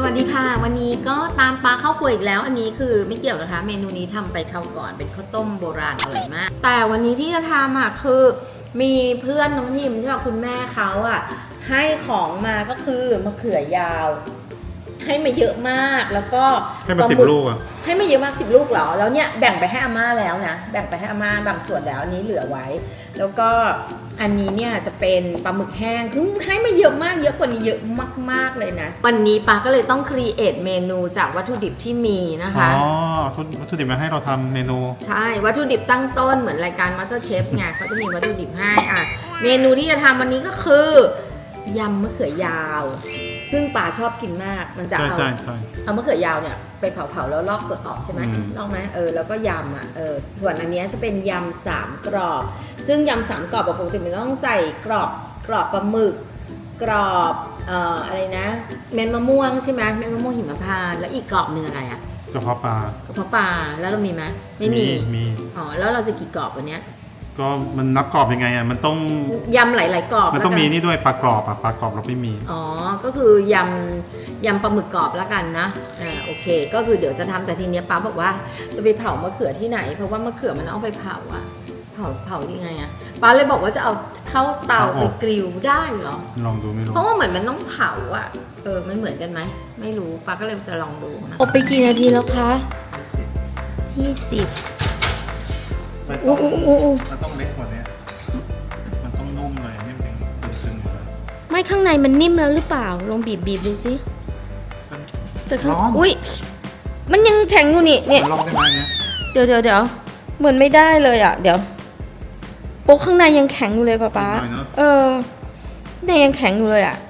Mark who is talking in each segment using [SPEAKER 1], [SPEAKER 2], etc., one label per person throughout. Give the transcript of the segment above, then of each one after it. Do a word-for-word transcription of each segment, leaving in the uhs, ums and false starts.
[SPEAKER 1] วัสดีค่ะวันนี้ก็ตามปลาเข้าครัวอีกแล้วอันนี้คือไม่เกี่ยวนะคะเมนูนี้ทำไปคราวก่อนเป็นข้าวต้มโบราณอร่อยมากแต่วันนี้ที่จะทำอ่ะคือมีเพื่อนน้องพิมใช่ป่ะคุณแม่เขาอ่ะให้ของมาก็คือมะเขือยาวให้มาเยอะมากแล้วก็
[SPEAKER 2] ให้มาสิบลูกอ่ะ
[SPEAKER 1] ให้มาเยอะมากสิบลูกเหรอแล้วเนี่ยแบ่งไปให้อาม่าแล้วนะแบ่งไปให้อาม่าบางส่วนแล้วอันนี้เหลือไว้แล้วก็อันนี้เนี่ยจะเป็นปลาหมึกแห้งคือให้มาเยอะมากเยอะกว่านี้เยอะมากๆเลยนะวันนี้ปาก็เลยต้องครีเอทเมนูจากวัตถุดิบที่มีนะคะ
[SPEAKER 2] อ๋อวัตถุดิบมาให้เราทำเมนู
[SPEAKER 1] ใช่วัตถุดิบตั้งต้นเหมือนรายการ MasterChef ไงเขาจะมีวัตถุดิบให้อ่ะเมนูที่จะทำวันนี้ก็คือยำมะเขือยาวซึ่งป่าชอบกินมากมันจะเอาเอามะเขือยาวเนี่ยไปเผาๆแล้วลอกเปลือกออกใช่ไหมลอกไหมเออแล้วก็ยำอ่ะเออส่วนอันนี้จะเป็นยำสามกรอบซึ่งยำสามกรอบปกติมันต้องใส่กรอบกรอบปลาหมึกกรอบเอ่ออะไรนะเม็ดมะม่วงใช่ไหมเม็ดมะม่วงหิมพานต์แล้วอีกกรอบหนึ่งอะไรอ่ะ
[SPEAKER 2] กระเพาะปลาก
[SPEAKER 1] ระเพาะปลาแล้วเรามีไหมไม่มี
[SPEAKER 2] มี
[SPEAKER 1] อ๋อแล้วเราจะกี่กรอบวันนี้
[SPEAKER 2] ก็มันนับกรอบยังไงอ่ะมันต้อง
[SPEAKER 1] ยำหลายๆกรอบ
[SPEAKER 2] มันต้องมีนี่ด้วยปลากรอบอ่ะปลากรอบเราไม่มี
[SPEAKER 1] อ๋อก็คือยำยำปลาหมึกกรอบแล้วกันนะอ่าโอเคก็คือเดี๋ยวจะทำแต่ทีเนี้ยป้าบอกว่าจะไปเผามะเขือที่ไหนเพราะว่ามะเขือมันเอาไปเผาอ่ะเผาเผายังไงอ่ะป้าเลยบอกว่าจะเอาเข้าเตาไปกริลได้เหรอ
[SPEAKER 2] ลองดูไม่รู้
[SPEAKER 1] เพราะว่าเหมือนมันต้องเผาอ่ะเออมันเหมือนกันไหมไม่รู้ป้าก็เลยจะลองดูนะอบไปกี่นาทีแล้วคะยี่สิบ
[SPEAKER 2] อู้อู้อู้อู้มันต้องเล็กกว่านี้มันต้องนุ่มเลยไม่เป็นตึงๆเลย
[SPEAKER 1] ไม่ข้างในมันนิ่มแล้วหรือเปล่าลองบีบบีบดูสิแต่ข้างอุ้ยมันยังแข็งอยู่นี่เนี่ย
[SPEAKER 2] ลองได้ไหมเนี่ย
[SPEAKER 1] เดี๋ยวเดี๋ยวเดี๋ยวเหมือนไม่ได้เลยอ่ะเดี๋ยวโป๊กข้างในยังแข็งอยู่เลยป๊าป๊าเออเนี่ยยังแข็งอยู่เลยอ่ะ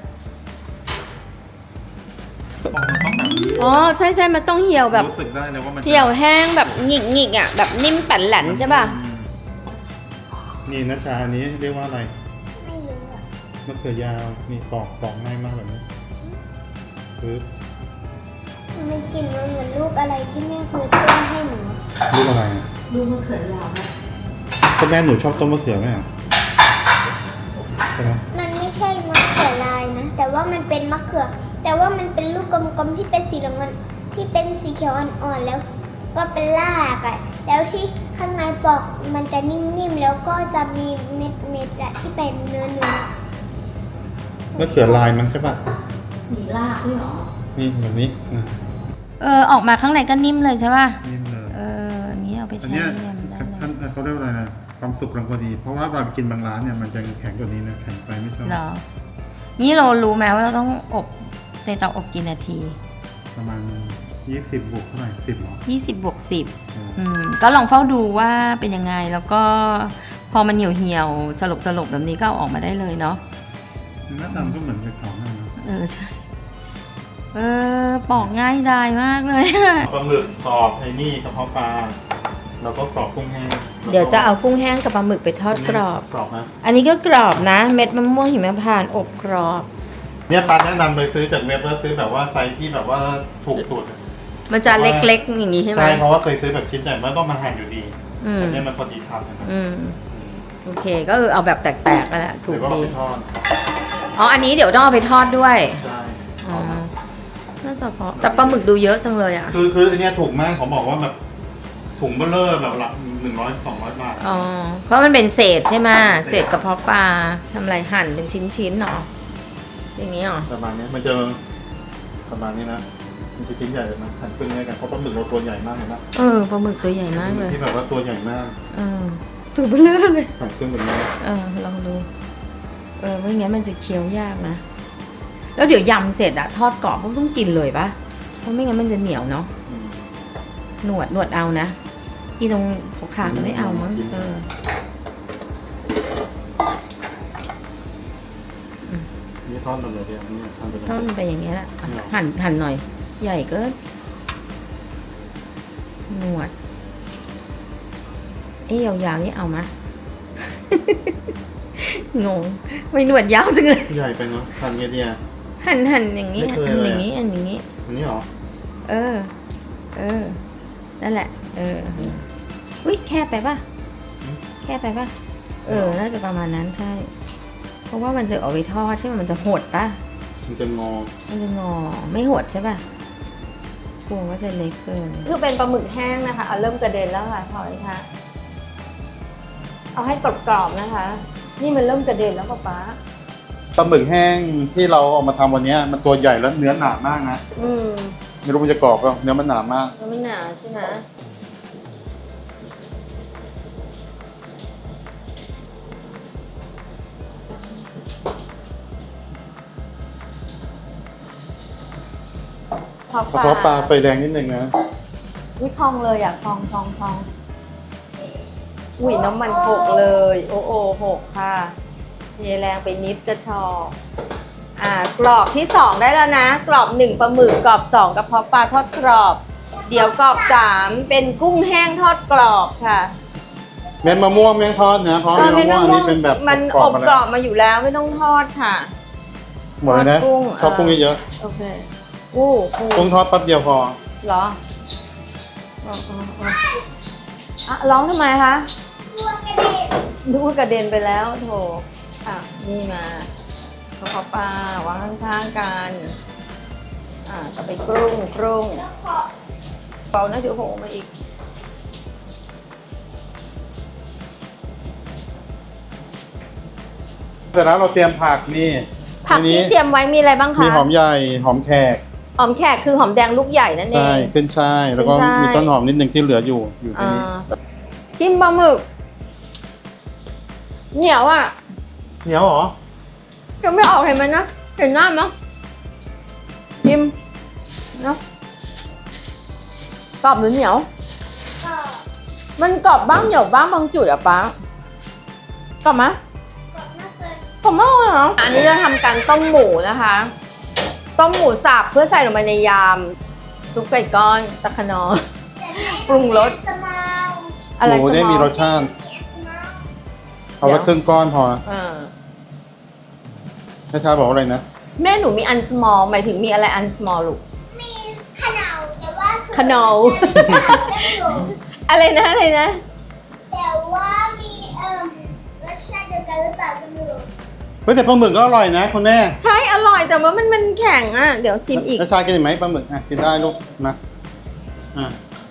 [SPEAKER 1] อ๋อใช่ใช่มันต้องเหี่ยวแบบ
[SPEAKER 2] รู้สึกได้เลยว่ามัน
[SPEAKER 1] เหี่ยวแห้งแบบหงิกหงิกอ่ะแบบนิ่มแป่นแหลนใช่ป่ะ
[SPEAKER 2] นี่นะชาอันนี้เรียกว่าอะไร
[SPEAKER 3] ไม่รู้อ่ะ
[SPEAKER 2] มะเขือยาวมีปอกปอกง่ายมากแบบนี้ปึ๊บ
[SPEAKER 3] ไม่กินมันเหมือนลูกอะไรที่แม่เคยต้มให้หนู
[SPEAKER 2] ลูกอะไร
[SPEAKER 1] ลูกมะเขือยาวนะ
[SPEAKER 2] ก็แม่หนูชอบต้มมะเขือไหมอ่ะใช่ไหม
[SPEAKER 3] มันไม่ใช่มะเขือลายนะแต่ว่ามันเป็นมะเขือแต่ว่ามันเป็นลูกกลมๆที่เป็นสีเหลืองที่เป็นสีเขียวอ่อนๆแล้วก็เป็นรากอ่ะแล้วที่ข้างในปอกมันจะนิ่มๆแล้วก็จะมีเม็ดๆอะที่เป็นเนื้อเนื้อ
[SPEAKER 2] มะเขือลายมันใช่ป่ะ
[SPEAKER 1] มีรากด้วยหรอ
[SPEAKER 2] นี่แบบนี้
[SPEAKER 1] เออออกมาข้างในก็นิ่มเลยใช่ป่ะ
[SPEAKER 2] นิ่มเลย
[SPEAKER 1] เออนี้เอาไปใช้ยำได้
[SPEAKER 2] ท่านเขาเรียกว่าอะไรนะความสุกกำลังพอดีเพราะว่าเราไปกินบางร้านเนี่ยมันจะแข็งกว่านี้นะแข็งไปไม่ชอบ
[SPEAKER 1] หรอนี่เรารู้ไหมว่าเราต้องอบในเตาอบกี่นาที
[SPEAKER 2] ประมาณยี่สิบบวกเท่าไหร่สิบหรอ
[SPEAKER 1] ยี่สิบบวกสิบอืมก็ลองเฝ้าดูว่าเป็นยังไงแล้วก็พอมันเหี่ยวเหี่ยวสลบสลบแบบนี้ก็เอาออกมาได้เลยเนาะ
[SPEAKER 2] หน้าตาก็เหมือนเป็นของนั่นนะ
[SPEAKER 1] เออใช่เออปอกง่ายดายมากเลย
[SPEAKER 2] ปลาหมึกกรอบไอ้นี่กระเพาะปลาแล้วก็กรอบกุ้งแห้ง
[SPEAKER 1] เดี๋ยวจะเอากุ้งแห้งกับปลาหมึกไปทอดกรอบ
[SPEAKER 2] กรอบนะ
[SPEAKER 1] อันนี้ก็กรอบนะเม็ดมะม่วงหิมพานต์อบกรอบ
[SPEAKER 2] เนี่ยปลาแนะนำไปซื้อจากเว็บแล้วซื้อแบบว่าไซส์ที่แบบว่าถูกสุด
[SPEAKER 1] มันจะเล็กๆอย่างนี้ใช่ไหม
[SPEAKER 2] ใช่เพราะว่าเคยซื้อแบบชิ้นใหญ่มันต้องมาหั่นอยู่ดีแต่เนี่ยมันพอดีทำนะครับ
[SPEAKER 1] โอเคก็คือเอาแบบแตกๆก็แหละถูกดีอ๋ออันนี้เดี๋ยวต้องเอาไปทอดด้วย
[SPEAKER 2] ใช่
[SPEAKER 1] อ๋อน่าจะพอแต่ปลาหมึกดูเยอะจังเลยอ่ะ
[SPEAKER 2] คือคืออันนี้ถูกมากเขาบอกว่าแบบถุงเบลเลอร์แบบหลักหนึ่งร้อยสองร้อยบาท
[SPEAKER 1] อ๋อเพราะมันเป็นเศษใช่ไหมเศษกระเพาะปลาทำอะไรหั่นเป็นชิ้นๆเนาะอย่างนี้หรอ
[SPEAKER 2] ประมาณนี้มันจะประมาณนี้นะมันจะชิ้นใหญ่เลยนะหั่นครึ่งได้กันเพราะปลาหมึกเราตัวใหญ่มากเห็นไหม
[SPEAKER 1] เออปลาหมึกตัวใหญ่มากเลย
[SPEAKER 2] ที่แบบว่าตัวใหญ่มาก
[SPEAKER 1] เออตัวเบลเลอร์เลย
[SPEAKER 2] หั่นครึ่งแบบนี้
[SPEAKER 1] เออลองดูเออไม่งั้นมันจะเคี้ยวยากนะแล้วเดี๋ยวยำเสร็จอะทอดกรอบก็ต้องกินเลยปะเพราะไม่งั้นมันจะเหนียวเนาะหนวดหนวดเอานะอีตรงขาๆมันไม่เอามั้งเออ
[SPEAKER 2] นี่ทอดมันเลยเดียวนี่ทอดไปเลย
[SPEAKER 1] ทอดมันไปอย่างเงี้ยแหละหั่นหั่นหน่อยใหญ่ก็หนวดเอ๊ยยาวๆนี่เอามะงงไม่หนวดยาวจังเลย
[SPEAKER 2] ใหญ่ไปเนาะหั่นเงี้ยเดีย
[SPEAKER 1] หั่นหั่นอย่างนี้หั่นอย่างนี้อันอย่างนี้
[SPEAKER 2] อันนี้หรอ
[SPEAKER 1] เออเออนั่นแหละเอออุ้ยแคบไปป่ะแคบไปป่ะเออน่าจะประมาณนั้นใช่เพราะว่ามันจะออกไปทอดใช่ไหมมันจะหดป่ะ
[SPEAKER 2] มันจะงอ
[SPEAKER 1] มันจะงอไม่หดใช่ป่ะกลัวว่าจะเล็กเกินคือเป็นปลาหมึกแห้งนะคะเอาเริ่มกระเด็นแล้วค่ะพลอยคะเอาให้กรอบๆนะคะ นี่มันเริ่มกระเด็นแล้วป๊าป๊า
[SPEAKER 2] ปลาหมึกแห้งที่เราเอามาทำวันนี้มันตัวใหญ่แล้วเนื้อหนามากนะ
[SPEAKER 1] อืม
[SPEAKER 2] ไม่รู้มันจะกรอบเปล่าเนื้อมันหนามาก
[SPEAKER 1] มันไม่หนาใช่ไหมพอก
[SPEAKER 2] ระเพาะปลาไฟแรงนิดนึงนะ
[SPEAKER 1] อุ้ยพองเลยอ่ะพองพองพองอุ้ยน้ำมันหกเลย โอ้โอหกค่ะเทแรงไปนิดกระชอกอ่ากรอบที่สองได้แล้วนะ กรอบหนึ่งปลาหมึกกรอบสองกระเพาะปลาทอดกรอบ เดี๋ยวกรอบสามเป็นกุ้งแห้งทอดกรอบค่ะ
[SPEAKER 2] เม็ดมะม่วงแมงทอดนะเพราะเม็ดมะม่วงอันนี้เป็นแบบ
[SPEAKER 1] มัน
[SPEAKER 2] กร
[SPEAKER 1] อ
[SPEAKER 2] อบบ ๆมา
[SPEAKER 1] กร
[SPEAKER 2] แล้
[SPEAKER 1] อ
[SPEAKER 2] ว
[SPEAKER 1] บมาอยู่แล้วไม่ต้องทอดค่ะ
[SPEAKER 2] หมดเลยนะ
[SPEAKER 1] ทอดกุ้ง
[SPEAKER 2] ชอบกุ้งเยอะ
[SPEAKER 1] โอเคอู้หู
[SPEAKER 2] ๆกุ้งทอดแป๊บเดียวพอ
[SPEAKER 1] เหรออ๋ออ๋ออ๋ออ่ะร้องทำไมคะ
[SPEAKER 3] ตัวกระเด็น
[SPEAKER 1] ดูว่ากระเด็นไปแล้วโถอ่ะนี่มาขอขอปลาวางข้างๆกันอ่ะต่อไปกรุ้งกรุ้ง
[SPEAKER 3] แล้วขอ
[SPEAKER 1] เบานะเดี๋ยวโหมาอีก
[SPEAKER 2] เสร็จแล้วเราเตรียมผักนี่
[SPEAKER 1] ผัก
[SPEAKER 2] อัน
[SPEAKER 1] ที่
[SPEAKER 2] นี้
[SPEAKER 1] เตรียมไว้มีอะไรบ้างคะ
[SPEAKER 2] มีหอมใหญ่หอมแขก
[SPEAKER 1] หอมแขกคือหอมแดงลูกใหญ่นั่นเอ
[SPEAKER 2] ใช่
[SPEAKER 1] ง
[SPEAKER 2] ขึ้นช่ายแล้วก็
[SPEAKER 1] ขึ้นฉ่าย
[SPEAKER 2] มีต้นหอมนิดนึงที่เหลืออยู่อยู่ที่
[SPEAKER 1] อ่า
[SPEAKER 2] นี่
[SPEAKER 1] จิ้มปลาหมึกเหนียวอ่ะ
[SPEAKER 2] เหนียวเหรอ
[SPEAKER 1] จะไม่ออกเห็นไหมนะเห็นหน้ามั้ยจิ้มเนาะกรอบหรือเหนียว
[SPEAKER 3] ก็
[SPEAKER 1] มันกรอบบ้างเหนียวบ้างบางจุดอะป๊ากรอบไหม
[SPEAKER 3] กดมากเลย
[SPEAKER 1] กรอบมากเลยเหรออันนี้จะทำการต้มหมูนะคะ ต้มหมูสับเพื่อใส่ลงไปในยำซุปไก่ก้อนตะขนอ
[SPEAKER 3] แต่แม่
[SPEAKER 1] ปรุงรส
[SPEAKER 3] สมาว
[SPEAKER 1] อะไร
[SPEAKER 2] หมูได้มีรสชาติ
[SPEAKER 3] เยสมาว
[SPEAKER 2] เอาไว้ครึ่งก้อนพอ
[SPEAKER 1] อ่า
[SPEAKER 2] ให้ชาบอกว่าอะไรนะ
[SPEAKER 1] แม่หนูมีอัน small หมายถึงมีอะไรอัน small ลูก
[SPEAKER 3] มีขนาวแต่ว่าคือ
[SPEAKER 1] ขนาว
[SPEAKER 3] ไม่รู้
[SPEAKER 1] อะไรนะอะไรนะ
[SPEAKER 3] แต่ว่ามีเอ่อรสชาติเดียวกันหรือเปล่าก็ไม่รู้
[SPEAKER 2] เฮ้ยแต่ปลาหมึกก็อร่อยนะคุณแม่
[SPEAKER 1] ใช่อร่อยแต่ว่ามันมันแข็งอ่ะ เดี๋ยวชิมอีก
[SPEAKER 2] แล้วชากินไหมปลาหมึกอ่ะกินได้ลูกนะอ่ะ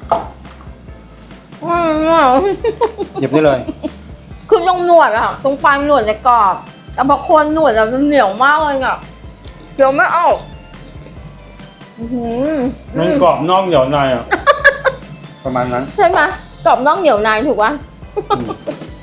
[SPEAKER 1] อืม
[SPEAKER 2] หยิบได้เลย
[SPEAKER 1] คือตรงหนวดอะตรงปลายหนวดจะกรอบแต่พอโคนหนวดจะเหนียวมากเลยอะเดี๋ยวไม่ออกอื้อหือ
[SPEAKER 2] มันกรอบนอกเหนียวในอ่ะ ประมาณนั้น
[SPEAKER 1] ใช่ไหมกรอบนอกเหนียวในถูกปะ
[SPEAKER 2] อืม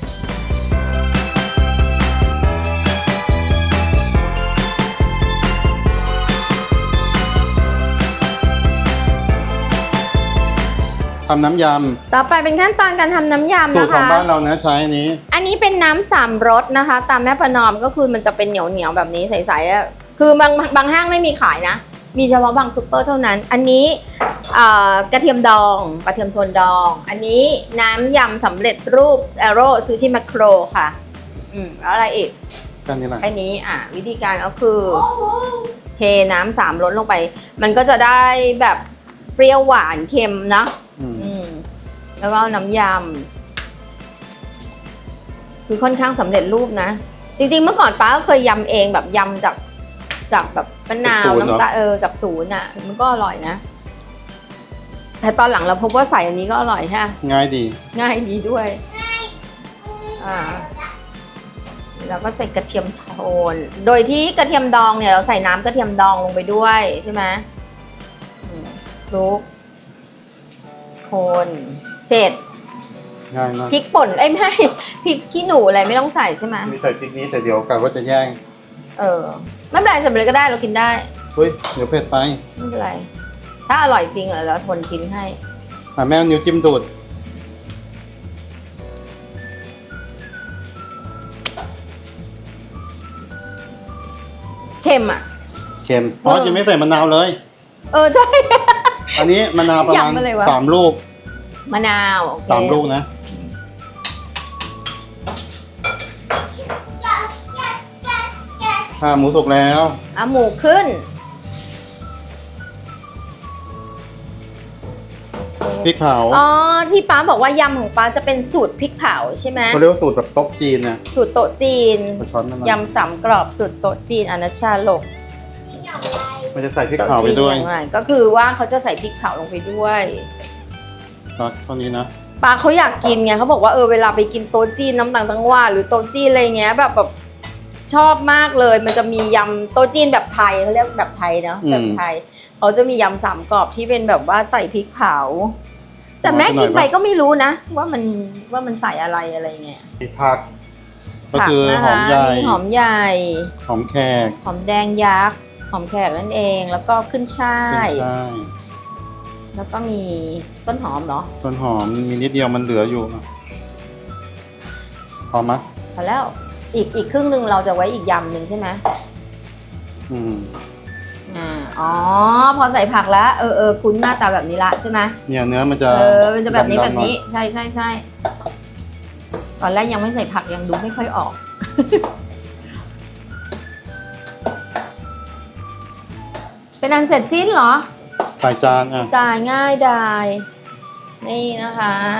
[SPEAKER 2] ทำน้ำย
[SPEAKER 1] ต่อไปเป็นขั้นตอนการทำน้ำ
[SPEAKER 2] ำ
[SPEAKER 1] ยำ
[SPEAKER 2] สูต
[SPEAKER 1] นะ
[SPEAKER 2] รของ
[SPEAKER 1] คะ
[SPEAKER 2] บ้านเรานะใช้อันนี้
[SPEAKER 1] อันนี้เป็นน้ำสามรสนะคะ ตามแม่ประนอมก็คือมันจะเป็นเหนียวเหนียวๆแบบนี้ใสๆอะคือบางบางห้างไม่มีขายนะ มีเฉพาะบางซูเปอร์เท่านั้น อันนี้เอ่อกระเทียมดองกระเทียมโทนดอง อันนี้น้ำยำสำเร็จรูปแอโร่ซื้อที่แมคโครค่ะอืมแล้วอะไรอีก
[SPEAKER 2] กันนี่แหละ
[SPEAKER 1] แค่นี้อ่ะวิธีการก็คือ
[SPEAKER 3] โอ้โห
[SPEAKER 1] เทน้ำสามรสลงไป มันก็จะได้แบบเปรี้ยวหวานเค็มเนาะ
[SPEAKER 2] อืม
[SPEAKER 1] อืมแล้วก็น้ำยำคือค่อนข้างสำเร็จรูปนะ จริงๆเมื่อก่อนป้าก็เคยยำเองแบบยำจากจากแบบมะนาวน้ำตาลเออจากศูนย์อ่ะมันก็อร่อยนะ แต่ตอนหลังเราพบว่าใส่อันนี้ก็อร่อยฮะ
[SPEAKER 2] ง่ายดี
[SPEAKER 1] ง่ายดีด้วย อ่า แล้วก็ใส่กระเทียมโทน โดยที่กระเทียมดองเนี่ยเราใส่น้ำกระเทียมดองลงไปด้วยใช่ไหมอืมคลุกโคนเจ็ด
[SPEAKER 2] ง่ายมาก
[SPEAKER 1] พริกป่นเอ้ยไม่ พริกขี้หนูอะไรไม่ต้องใส่ใช่ไหม
[SPEAKER 2] มีใส่พริกนี้แต่เดี๋ยวกันว่าจะแย่ง
[SPEAKER 1] เออไม่เป็นไรใส่ไปเลยก็ได้เรากินได้
[SPEAKER 2] เฮ้ยเดี๋ยวเผ็ดไป
[SPEAKER 1] ไม่เป็นไร ถ้าอร่อยจริงเราทนกินให้
[SPEAKER 2] อ่ะแม่เอานิ้วจิ้มดูด
[SPEAKER 1] เค็มอ่ะ
[SPEAKER 2] เค็มอ๋อ
[SPEAKER 1] เออ
[SPEAKER 2] จะไม่ใส่มะนาวเลย
[SPEAKER 1] เออใช่
[SPEAKER 2] อันนี้มะนาวประมาณ
[SPEAKER 1] ยำอะไรวะ
[SPEAKER 2] สามลูก
[SPEAKER 1] มะนาวโอเค
[SPEAKER 2] สามลูกนะ
[SPEAKER 3] yes yes yes yes
[SPEAKER 2] อ่าหมูสุกแล้ว
[SPEAKER 1] เอาหมูขึ้น
[SPEAKER 2] พริกเผา
[SPEAKER 1] อ๋อที่ป้าบอกว่ายำของป้าจะเป็นสูตรพริกเผาใช่ไหม
[SPEAKER 2] เขาเรียกว่าสูตรแบบโต๊ะจีนนะ
[SPEAKER 1] สูตรโต๊ะจีน
[SPEAKER 2] เอาช้อนมาหน่อย
[SPEAKER 1] ยำสามกรอบสูตรโต๊ะจีนอนัชชาโลก
[SPEAKER 3] เหนียวอะไร
[SPEAKER 2] มันจะใส่พริกเผาไปด้วย
[SPEAKER 1] โต๊ะจีนอย่างไรก็คือว่าเขาจะใส่พริกเผาลงไปด้วย
[SPEAKER 2] ครับเท่านี้นะ
[SPEAKER 1] ปาเขาอยากกินไงเขาบอกว่าเออเวลาไปกินโต๊ะจีนน้ำต่างจังหวัดหรือโต๊ะจีนอะไรเงี้ยแบบแบบชอบมากเลยมันจะมียำโต๊ะจีนแบบไทยเขาเรียกแบบไทยเนาะแบบไทยเขาจะมียำสามกรอบที่เป็นแบบว่าใส่พริกเผาแต่แม่กินไปก็ไม่รู้นะว่ามันว่ามันใส่อะไรอะไรเงี้ย
[SPEAKER 2] มีผักก็คือหอมใหญ่
[SPEAKER 1] มีหอมใหญ่
[SPEAKER 2] หอมแขก
[SPEAKER 1] หอมแดงยักษ์หอมแขกนั่นเองแล้วก็ขึ้นช่าย
[SPEAKER 2] ใช่
[SPEAKER 1] แล้วก็มีต้นหอมเหรอ
[SPEAKER 2] ต้นหอมมีนิดเดียวมันเหลืออยู่อ่ะพอไหมย
[SPEAKER 1] พอแล้วอีกอีกครึ่งหนึ่งเราจะไว้อีกยำหนึ่งใช่ไหม
[SPEAKER 2] อืม
[SPEAKER 1] อ่าอ๋อพอใส่ผักแล้วเออเออคุ้นหน้าตาแบบนี้ละใช่ไหม
[SPEAKER 2] เนี่ยเนื้อมันจะ
[SPEAKER 1] เออมันจะแบบนี้
[SPEAKER 2] ดำๆ
[SPEAKER 1] แบบนี้
[SPEAKER 2] หอย
[SPEAKER 1] ใช่ใช่ใช่ตอนแรกยังไม่ใส่ผักยังดูไม่ค่อยออก เป็นอันเสร็จสิ้นเหรอ
[SPEAKER 2] ใส่จานอ่ะ
[SPEAKER 1] ตายง่ายดายนี่นะคะ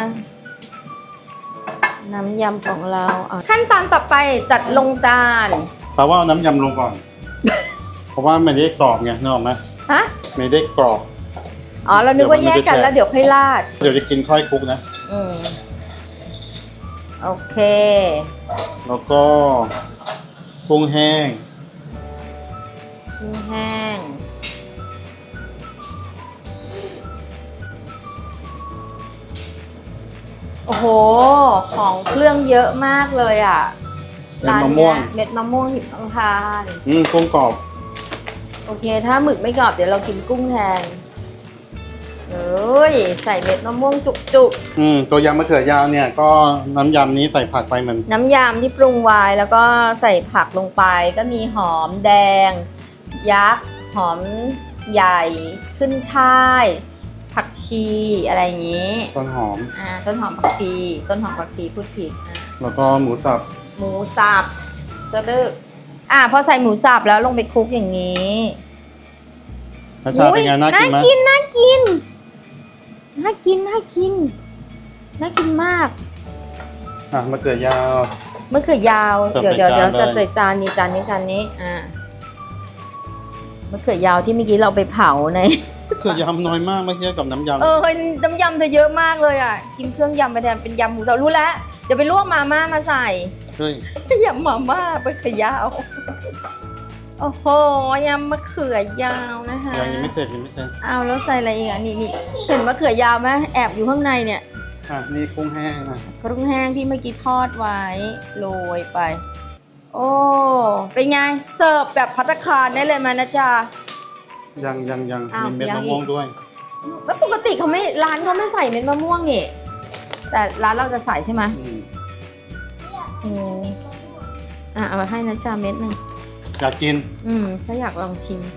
[SPEAKER 1] น้ำยำของเราอ่ะขั้นตอนต่อไปจัดลงจาน
[SPEAKER 2] แปลว่าเอาน้ำยำลงก่อน เพราะว่าไม่ได้กรอบไงนึกออกไหม
[SPEAKER 1] ฮะ
[SPEAKER 2] ไม่ได้กรอบ
[SPEAKER 1] อ๋อเรานึกว่าแยกกันแล้วเดี๋ยวค่อยราด
[SPEAKER 2] เดี๋ยวจะกินค่อยคลุกนะ
[SPEAKER 1] อืมโอเค
[SPEAKER 2] แล้วก็กุ้งแห้ง
[SPEAKER 1] กุ้งแห้งโอ้โห ของเครื่องเยอะมากเลยอ่ะ
[SPEAKER 2] เม็ด
[SPEAKER 1] ร้าน
[SPEAKER 2] มะม่
[SPEAKER 1] เนี้
[SPEAKER 2] วย ง
[SPEAKER 1] เม็ดมะม่วงหิมพานต์
[SPEAKER 2] อืมกุ้งกรอบ
[SPEAKER 1] โอเค ถ้าหมึกไม่กรอบเดี๋ยวเรากินกุ้งแทนเอ้ยใส่เม็ดมะม่วงจุก
[SPEAKER 2] อืมตัวยำมะเขือยาวเนี่ยก็น้ำยำนี้ใส่ผักไปเหมือน
[SPEAKER 1] ๆน้ำยำที่ปรุงไว้แล้วก็ใส่ผักลงไป ก็มีหอมแดง ยักษ์หอมใหญ่ขึ้นช่าย ผักชีอะไรอย่างนี้
[SPEAKER 2] ต้นหอม
[SPEAKER 1] อ่าต้นหอมผักชี ต้นหอมผักชีพูดผิดอ่ะ
[SPEAKER 2] แล้วก็หมูสับ
[SPEAKER 1] หมูสับตัวเลือกอ่าพอใส่หมูสับแล้วลงไปคลุกอย่างนี้
[SPEAKER 2] รสชาติเป็นไงน่ากินไหม
[SPEAKER 1] น่ากินน่ากินน่ากินน่ากินน่ากินมาก
[SPEAKER 2] อ่ะมะเขือยาว
[SPEAKER 1] มะเขือยาว
[SPEAKER 2] เสิร์ฟ
[SPEAKER 1] เดี๋ยว
[SPEAKER 2] ใน
[SPEAKER 1] เดี๋ยว
[SPEAKER 2] จาน
[SPEAKER 1] เดี๋ยว
[SPEAKER 2] เลย
[SPEAKER 1] จะใส่จานนี้จานนี้จานนี้อ่ามะเขือยาวที่เมื่อกี้เราไปเผาใน
[SPEAKER 2] มะเขือยาวน้อยมากไม่เทียบกับน้ำยำ
[SPEAKER 1] เออน้ำยำเธอเยอะมากเลยอ่ะกินเครื่องยำไปแทนเป็นยำหมูสับรู้แล้วเดี๋ยวไปลวกมาม่ามาใส่
[SPEAKER 2] เฮ้ย
[SPEAKER 1] ยำมาม่ามะเขือยาวโอ้โหยำมะเขือยาวนะคะ
[SPEAKER 2] ยังยังไม่เสร็จยังไม่เสร็จ
[SPEAKER 1] เอาแล้วใส่อะไรอีกอ่ะนี่นี่เห็นมะเขือยาวไหมแอบอยู่ข้างในเนี่ย
[SPEAKER 2] อ่ะนี่กุ้งแห้งนะ
[SPEAKER 1] กุ้งแห้งที่เมื่อกี้ทอดไว้โรยไป โอ้เป็นไงเสิร์ฟแบบภัตตาคารได้เลยไหมนะจ๊ะ
[SPEAKER 2] ยังยังยัง
[SPEAKER 1] อ้าว
[SPEAKER 2] มีเม็ด
[SPEAKER 1] ยัง
[SPEAKER 2] มะ
[SPEAKER 1] อีก
[SPEAKER 2] ม่วงด้วย
[SPEAKER 1] แล้วปกติเขาไม่ร้านเขาไม่ใส่เม็ดมะม่วงนี่แต่ร้านเราจะใส่ใช่ไหม
[SPEAKER 2] อืม
[SPEAKER 1] อืมอ่ะเอามาให้นะจ๊ะเม็ดหนึ่ง
[SPEAKER 2] อยากกิน
[SPEAKER 1] อืมถ้าอยากลองชิม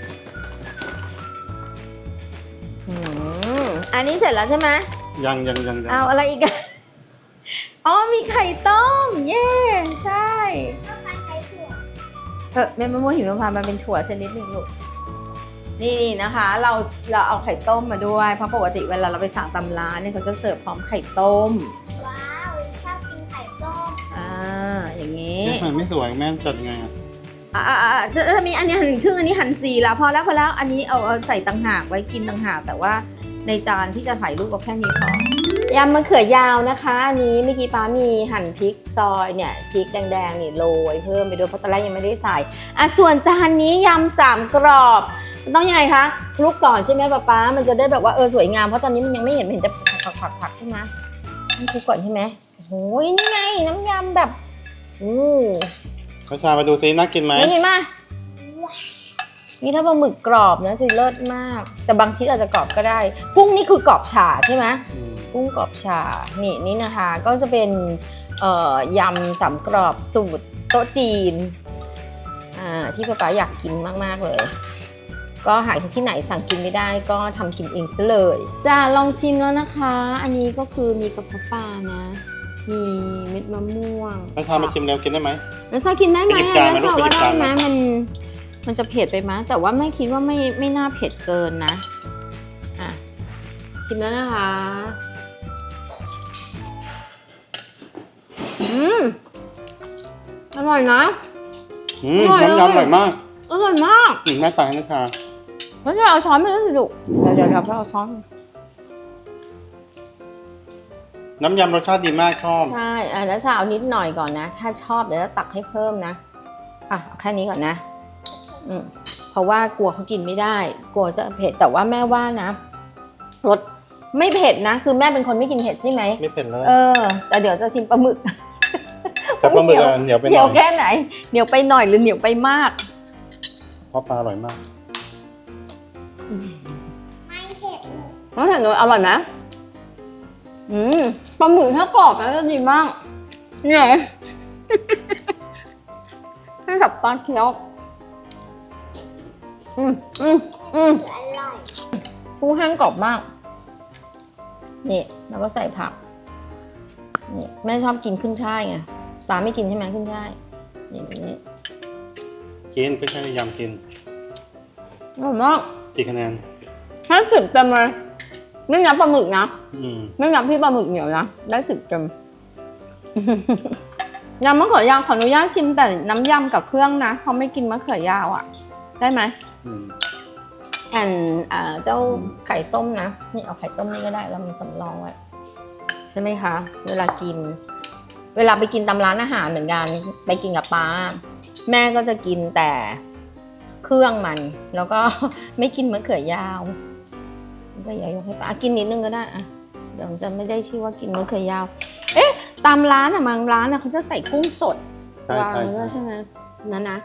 [SPEAKER 1] อืมอันนี้เสร็จแล้วใช่ไหม
[SPEAKER 2] ยังยังยังยัง
[SPEAKER 1] เอาอะไรอีกอะอ๋อมีไข่ต้ม เย้ใช่
[SPEAKER 3] ก็พันไข่ถั่ว
[SPEAKER 1] เออเม็ดมะม่วงหิมพานต์มันเป็นถั่วชนิดหนึ่งลูกนี่นะคะ เราเราเอาไข่ต้มมาด้วยเพราะปกติเวลาเราไปสั่งตำร้านเนี่ยเขาจะเสิร์ฟพร้อมไข่ต้ม
[SPEAKER 3] ว้าวชอบกินไข่ต้ม
[SPEAKER 1] อ่าอย่างนี้
[SPEAKER 2] เอ๊ะทำไมไม่สวยแม่จัดยังไงอ่ะ
[SPEAKER 1] อ่าอ่าอ่าถ้ามีอันนี้หั่นครึ่งอันนี้หั่นสี่แล้วพอแล้วพอแล้วอันนี้เอาเอาใส่ต่างหากไว้กินต่างหากแต่ว่าในจานที่จะถ่ายรูปก็แค่นี้พอยำมะเขือยาวนะคะอันนี้เมื่อกี้ป้ามีหั่นพริกซอยเนี่ยพริกแดงๆนี่โรยเพิ่มไปด้วยเพราะตอนแรกยังไม่ได้ใส่อ่ะส่วนจานนี้ยำสามกรอบมันต้องยังไงคะคลุกก่อนใช่ไหมป้าป๊ามันจะได้แบบว่าเออสวยงามเพราะตอนนี้มันยังไม่เห็นเห็นจะผักๆๆใช่ไหมต้องคลุกก่อนใช่ไหมโอ้โหนี่ไงน้ำยำแบบอู้
[SPEAKER 2] ข้าวชามาดูซิน่ากินไหม
[SPEAKER 1] ไม่เห็นมานี่ถ้าปลาหมึกกรอบนะจะเลิศมาก แต่บางชิ้นอาจจะกรอบก็ได้ กุ้งนี่คือกรอบฉ่าใช่ไหม
[SPEAKER 2] อืม
[SPEAKER 1] กุ้งกรอบฉ่านี่นี่นะคะ ก็จะเป็นเอ่อยำสามกรอบสูตรโต๊ะจีนอ่าที่ป๊าป๊าอยากกินมากๆเลย ก็หาที่ไหนสั่งกินไม่ได้ก็ทำกินเองซะเลยจ้าลองชิมแล้วนะคะ อันนี้ก็คือมีกระเพาะปลานะ มีเม็ดมะม่วง
[SPEAKER 2] ข้าวชามาชิมแล้วกินได้ไหม
[SPEAKER 1] แล้วชากินได้ไหม
[SPEAKER 2] ไปหยิบจาน
[SPEAKER 1] แล้ว
[SPEAKER 2] มาลู
[SPEAKER 1] ชาก ว่า
[SPEAKER 2] ไปหยิบ
[SPEAKER 1] ได้
[SPEAKER 2] จาน
[SPEAKER 1] ไหม
[SPEAKER 2] มา
[SPEAKER 1] มันมันจะเผ็ดไปไหมแต่ว่าแม่คิดว่าไม่ไม่น่าเผ็ดเกินนะอ่ะชิมแล้วนะคะอืมอร่อยนะ
[SPEAKER 2] อืม
[SPEAKER 1] อร่อย
[SPEAKER 2] น้ำยำอ
[SPEAKER 1] เลย
[SPEAKER 2] ร่อยมาก
[SPEAKER 1] เออร่อยมาก
[SPEAKER 2] อืมแม่ตักให้นะชา
[SPEAKER 1] แล้วจะเอาช้อนไปแล้วสิลูกเดี๋ยวเดี๋ยวเราจะเอาช้อน
[SPEAKER 2] น้ำยำรสชาติดีมากชอบ
[SPEAKER 1] ใช่อ่ะแล้วจะเอานิดหน่อยก่อนนะ ถ้าชอบเดี๋ยวจะตักให้เพิ่มนะอ่ะเอาแค่นี้ก่อนนะอืมเพราะว่ากลัวเขากินไม่ได้ กลัวจะเผ็ดแต่ว่าแม่ว่านะรสไม่เผ็ดนะ คือแม่เป็นคนไม่กินเผ็ดใช่ไหม
[SPEAKER 2] ไม่เผ็ดเลย
[SPEAKER 1] เออ แต่เดี๋ยวจะชิมปลาหมึก
[SPEAKER 2] แต่ปลาหมึกอะเหนียวไปห
[SPEAKER 1] เหนี
[SPEAKER 2] น่
[SPEAKER 1] ย
[SPEAKER 2] อ
[SPEAKER 1] วย แค่ไหนเหนียวไปหน่อยหรือเหนียวไปมาก
[SPEAKER 2] เพราะปลาอร่อยมาก
[SPEAKER 3] ไม่เผ็ดเลย
[SPEAKER 1] น้องเห็นเลยอร่อยไหมอืมปลาหมึกถ้ากรอบแล้วจะดีมากเนี่ย ให้กับตาเคี้ยวอืมอืมอืม
[SPEAKER 3] อร่อย
[SPEAKER 1] กุ้งแห้งกรอบมากนี่แล้วก็ใส่ผักนี่แม่ชอบกินขึ้นช่ายไงปลาไม่กินใช่ไหมขึ้นช่ายอย่างนี้
[SPEAKER 2] กินก็ใช่ยำกิน
[SPEAKER 1] อร่อยมาก
[SPEAKER 2] กี่คะแนน
[SPEAKER 1] ให้สิบเต็มเลยไม่นับปลาหมึกนะ
[SPEAKER 2] อืม
[SPEAKER 1] ไม่นับที่ปลาหมึกเหนียวนะได้สิบเต็ม ยำมะเขือยาวขออนุญาตชิมแต่น้ำยำกับเครื่องนะเขาไม่กินมะเขือยาวอ่ะ ได้ไหม
[SPEAKER 2] อืม
[SPEAKER 1] แอนอ่าเจ้าไข่ต้มนะนี่เอาไข่ต้มนี่ก็ได้เรามีสำรองไว้ใช่ไหมคะ เวลากิน เวลาไปกินตามร้านอาหารเหมือนกันไปกินกับป้า แม่ก็จะกินแต่เครื่องมัน แล้วก็ ไม่กินมะเขือยาวมะเขือยาวยกให้ป้ากินนิดนึงก็ได้อะเดี๋ยวจะไม่ได้ชื่อว่ากินมะเขือยาว เอ๊ะตามร้านอะบางร้านอะเขาจะใส่กุ้งสด
[SPEAKER 2] ใช่
[SPEAKER 1] วาง
[SPEAKER 2] ใช่
[SPEAKER 1] ไว้ด้วย
[SPEAKER 2] ใช่
[SPEAKER 1] ใช่ไหมนั่นนะ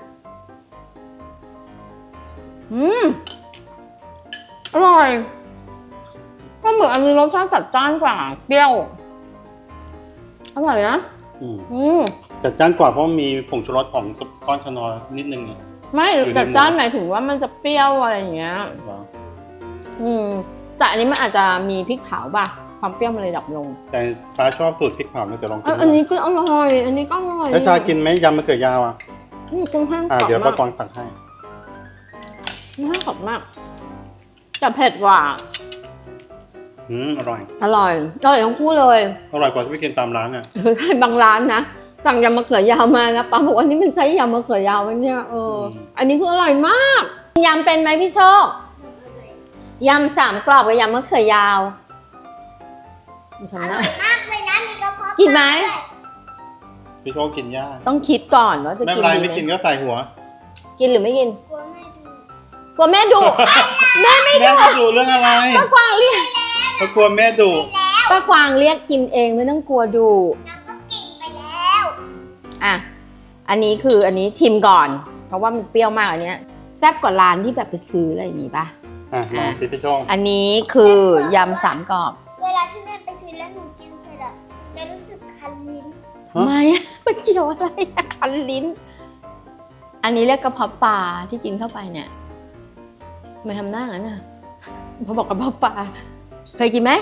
[SPEAKER 1] อืมอร่อยก็เหมือนอันนี้รสชาติจัดจ้านกว่าเปรี้ยวอร่อยนะ
[SPEAKER 2] อืม
[SPEAKER 1] อืม
[SPEAKER 2] จัดจ้านกว่าเพราะมีผงชูรสของก้อนขนอนิดนึงไง
[SPEAKER 1] ไม่
[SPEAKER 2] อยู่ใน
[SPEAKER 1] จัดจ้านหมายถึงว่ามันจะเปรี้ยวอะไรอย่างเงี้ย
[SPEAKER 2] เหรอ
[SPEAKER 1] อืมแต่อันนี้มันอาจจะมีพริกเผาป่ะความเปรี้ยวมันเลยดับลง
[SPEAKER 2] แต่ปลาชอบสูตรพริกเผาเนี่ยแต่ลองกิ
[SPEAKER 1] เอ้ยอันนี้ก็อร่อย อันนี้ก็อร่อย
[SPEAKER 2] แล้วชากินไหมยำมะเขือยาวอ่ะ
[SPEAKER 1] อืมกุ้งแห้งกร
[SPEAKER 2] อ่า
[SPEAKER 1] อบ
[SPEAKER 2] เดี๋ยวป้าม
[SPEAKER 1] าก
[SPEAKER 2] กวางตักให้
[SPEAKER 1] กุ้งแห้งกรอบมากแต่เผ็ดกว่า
[SPEAKER 2] อืมอร่อย
[SPEAKER 1] อร่อยอร่อยทั้งคู่เลย
[SPEAKER 2] อร่อยกว่าที่ไปกินตามร้านอ่ะ
[SPEAKER 1] คือใครบางร้านนะสั่งยำมะเขือยาวมานะป้าบอกว่านี่มันใช้ยำมะเขือยาวไหมเนี่ยเอออ
[SPEAKER 2] ม
[SPEAKER 1] อันนี้คืออร่อยมากยำเป็นไหมพี่โชคยำสามกรอบกับยำมะเขือยาวฉัน
[SPEAKER 3] อ
[SPEAKER 1] นะ
[SPEAKER 3] ร่อยมากเลยนะมีกระเพาะ
[SPEAKER 1] กินไหม
[SPEAKER 3] ปลาด้วย
[SPEAKER 2] พี่โชคกินยาก
[SPEAKER 1] ต้องคิดก่อนว่าจะ
[SPEAKER 2] ไม่
[SPEAKER 1] กิ
[SPEAKER 2] เป็น นไร
[SPEAKER 1] ดี
[SPEAKER 2] ไม่
[SPEAKER 1] ไหม
[SPEAKER 2] กินก็ใส่หัว
[SPEAKER 1] กินหรือไม่กิน
[SPEAKER 3] กลัวแม่ดู
[SPEAKER 1] กลัวแม่ดุ แม่ไม่
[SPEAKER 2] แม่จะดูเรื่องอะไร
[SPEAKER 1] ป้ากวางเรียก
[SPEAKER 2] เพราะกลัวแม่ดุ
[SPEAKER 1] ป้ากวางเรียกกินเองไม่ต้องกลัวดุ
[SPEAKER 3] น้ำก็กินไปแล้ว
[SPEAKER 1] อ่ะอันนี้คืออันนี้ชิมก่อน เพราะว่ามันเปรี้ยวมากอันเนี้ยแซ่บกว่าร้านที่แบบไปซื้ออะไรอย่างงี้ป่ะ
[SPEAKER 2] อ่ะลองสิพี่โชค
[SPEAKER 1] อันนี้คือยำสามกรอบ
[SPEAKER 3] เวลาที่แม่ไปซื้อแล้วหนูกินเสร็จอะจะรู้สึกคันลิ้น
[SPEAKER 2] ฮะ
[SPEAKER 1] ไม่อะมันเกี่ยวอะไรอะคันลิ้น อันนี้เรียกกระเพาะปลาที่กินเข้าไปเนี่ยทำไม่ทำหน้างั้นน่ะพอบอกกระเพาะปลาเคยกินไหม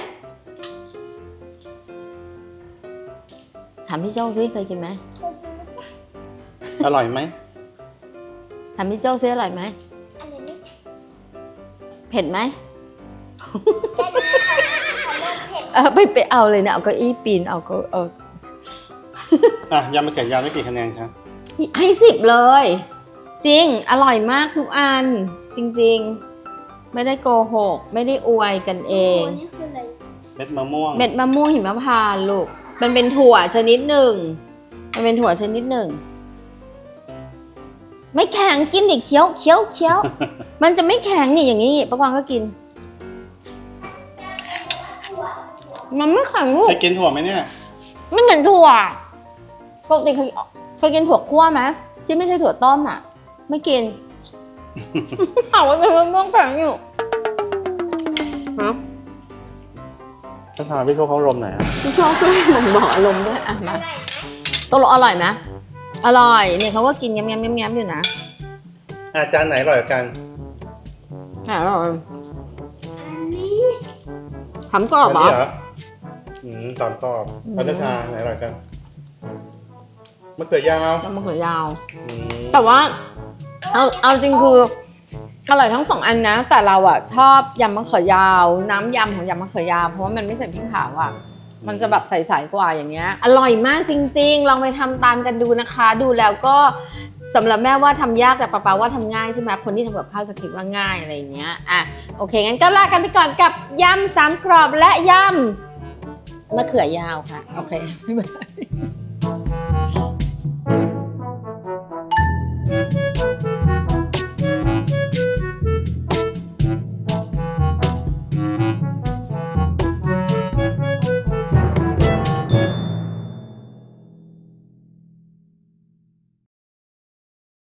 [SPEAKER 1] ถามพี่โจ้ซิเคยกินไหม
[SPEAKER 3] เคยกินไหมจ๊ะ
[SPEAKER 2] อร่อยไหม
[SPEAKER 1] ถามพี่โจ้ซิอร่อยไหม
[SPEAKER 3] อันนี้
[SPEAKER 1] เผ็ดไหม
[SPEAKER 3] แค่นี้ค่ะขอเริ่มเผ็ด
[SPEAKER 1] เออไปไปเอาเลยนะเอาเก้าอี้ปีนเอาก็เออ
[SPEAKER 2] อ่ะยำมะเขือยาวได้กี่คะแนนคะ
[SPEAKER 1] ให้สิบเลย จริงอร่อยมากทุกอัน จริงๆ ไม่ได้โกหก ไม่ได้อวยกันเอง
[SPEAKER 3] โนี่คืออะไร
[SPEAKER 2] เม็ดมะม่วง
[SPEAKER 1] เม็ดมะม่วงหิมพานต์ลูก มันเป็นถั่วชนิดหนึ่ง มันเป็นถั่วชนิดหนึ่ง ไม่แข็งกินดิเคี้ยวเคี้ยวเคี้ยว มันจะไม่แข็งนี่อย่างนี้ป้ากวางก็กิน มันไม่แข็งลูก
[SPEAKER 2] เคยกินถั่วไหมเนี่ย
[SPEAKER 1] ไม่เหมือนถั่วปกติเคยเคยกินถั่วคั่วไหมที่ไม่ใช่ถั่วต้มอ่ะ ไม่กิน เอาไว้เป็นมะม่วงแข็งอยู่ฮะ
[SPEAKER 2] ถ้าทานพี่โชคเขาลมไหนอยอ่ะ
[SPEAKER 1] พี่ชอบช่วยผมบอกอารมณ์ด้วยอ่ะ
[SPEAKER 3] อ
[SPEAKER 1] มา
[SPEAKER 3] ร่อยไหม
[SPEAKER 1] ตกลงอร่อยไหมอร่อยเนี่ยเขาก็กินแง้มแง้มแง้มแง้มอยู่นะ
[SPEAKER 2] อาจารย์ไหนอร่อยกว่ากัน
[SPEAKER 1] อร่อย
[SPEAKER 3] อันนี้
[SPEAKER 1] ถามกรอบเหรอ
[SPEAKER 2] นนี้เหรออืมสามกรอบ
[SPEAKER 1] อืม
[SPEAKER 2] พัฒนาไหนอร่อยกันมะเขือยาว
[SPEAKER 1] แล้วมะเขือยาว
[SPEAKER 2] อืม
[SPEAKER 1] แต่ว่า เอาเอาจริงคืออร่อยทั้งสองอันนะ แต่เราอ่ะชอบยำมะเขือยาว น้ำยำของยำมะเขือยาวเพราะว่ามันไม่ใส่พริกเผาอ่ะ มันจะแบบใสๆกว่าอย่างเงี้ย อร่อยมากจริงๆ ลองไปทำตามกันดูนะคะ ดูแล้วก็สำหรับแม่ว่าทำยากแต่ป๊าป๊าว่าทำง่ายใช่ไหมคนที่ทำกับข้าวจะคิดว่าง่ายอะไรอย่างเงี้ยอ่ะโอเคงั้นก็ลากันไปก่อนกับยำสามกรอบและยำมะเขือยาวค่ะโอเคบ๊ายบาย